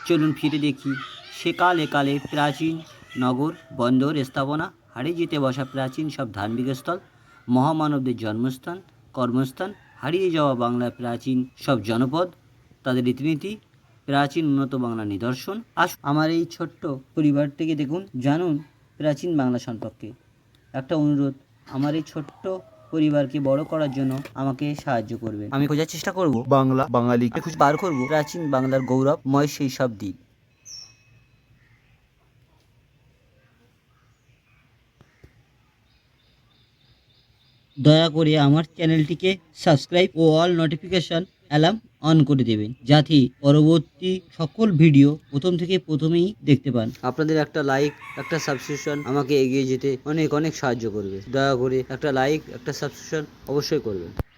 চলুন ফিরে দেখি সেকালে কালে প্রাচীন নগর বন্দর স্থাপনা, হারিয়ে যেতে বসা প্রাচীন সব ধার্মিক স্থল, মহামানবদের জন্মস্থান কর্মস্থান, হারিয়ে যাওয়া বাংলার প্রাচীন সব জনপদ, তাদের রীতিনীতি, প্রাচীন উন্নত বাংলা নিদর্শন। আমার এই ছোট্ট পরিবার থেকে দেখুন, জানুন প্রাচীন বাংলা সম্পর্কে। একটা অনুরোধ, আমার এই ছোট্ট পরিবারকে বড় করার জন্য আমাকে সাহায্য করবেন। আমি খোঁজার চেষ্টা করব বাংলা বাঙালি খুঁজে বার করব প্রাচীন বাংলার গৌরবময় সেই সব দিক। দয়া করে আমার চ্যানেলটিকে সাবস্ক্রাইব ও অল নোটিফিকেশন অ্যালার্ম অন করে দেবেন, যাতে পরবর্তী সকল ভিডিও প্রথমেই দেখতে পান। আপনাদের একটা লাইক, একটা সাবস্ক্রিপশন আমাকে এগিয়ে যেতে অনেক অনেক সাহায্য করবে। দয়া করে একটা লাইক, একটা সাবস্ক্রিপশন অবশ্যই করবেন।